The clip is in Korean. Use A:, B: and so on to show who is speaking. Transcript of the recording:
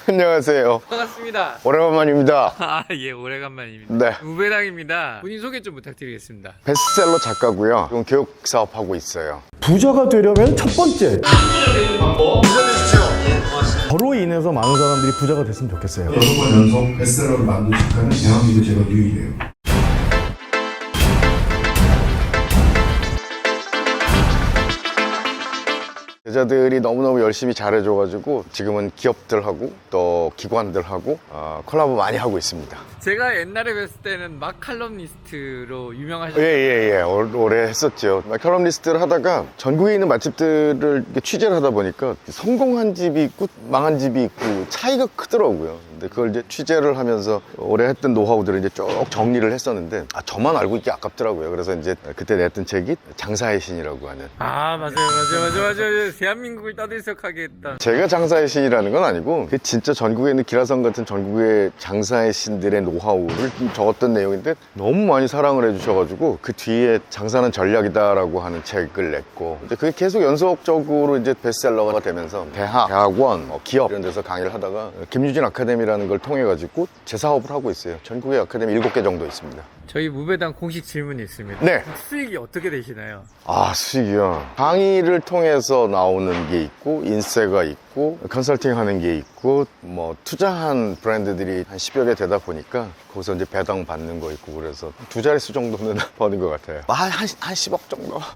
A: 안녕하세요.
B: 반갑습니다.
A: 오래간만입니다.
B: 예, 오래간만입니다.
A: 네.
B: 우배당입니다. 본인 소개 좀 부탁드리겠습니다.
A: 베스트셀러 작가고요. 지금 교육 사업하고 있어요.
C: 부자가 되려면 첫 번째 저로 인해서 많은 사람들이 부자가 됐으면 좋겠어요.
D: 6번 연속 베스트셀러를 만든 작가는 대한민국 제가 유일해요.
A: 여자들이 너무너무 열심히 잘해줘가지고 지금은 기업들하고 또 기관들하고 콜라보 많이 하고 있습니다.
B: 제가 옛날에 뵀을 때는 막 칼럼니스트로 유명하셨어요.
A: 예예예 오래 했었죠. 컬럼리스트를 하다가 전국에 있는 맛집들을 이렇게 취재를 하다 보니까 성공한 집이 있고 망한 집이 있고 차이가 크더라고요. 근데 그걸 이제 취재를 하면서 오래 했던 노하우들을 이제 쭉 정리를 했었는데 저만 알고 있기 아깝더라고요. 그래서 이제 그때 냈던 책이 장사의 신이라고 하는.
B: 맞아요. 대한민국을 떠들썩하게 했던.
A: 제가 장사의 신이라는 건 아니고 그게 진짜 전국에 있는 기라성 같은 전국의 장사의 신들의 노하우를 적었던 내용인데 너무 많이 사랑을 해주셔가지고 그 뒤에 장사는 전략이다라고 하는 책을 냈고 이제 그게 계속 연속적으로 이제 베스트셀러가 되면서 대학원, 기업 이런 데서 강의를 하다가 김유진 아카데미라는 걸 통해 가지고 제 사업을 하고 있어요. 전국에 아카데미 7개 정도 있습니다.
B: 저희 무배당 공식 질문이 있습니다.
A: 네.
B: 수익이 어떻게 되시나요?
A: 수익이요. 강의를 통해서 나오는 게 있고 인세가 있고 컨설팅 하는 게 있고 뭐 투자한 브랜드들이 한 10여 개 되다 보니까 거기서 이제 배당 받는 거 있고 그래서 두 자릿수 정도는 버는 것 같아요. 한 10억 정도.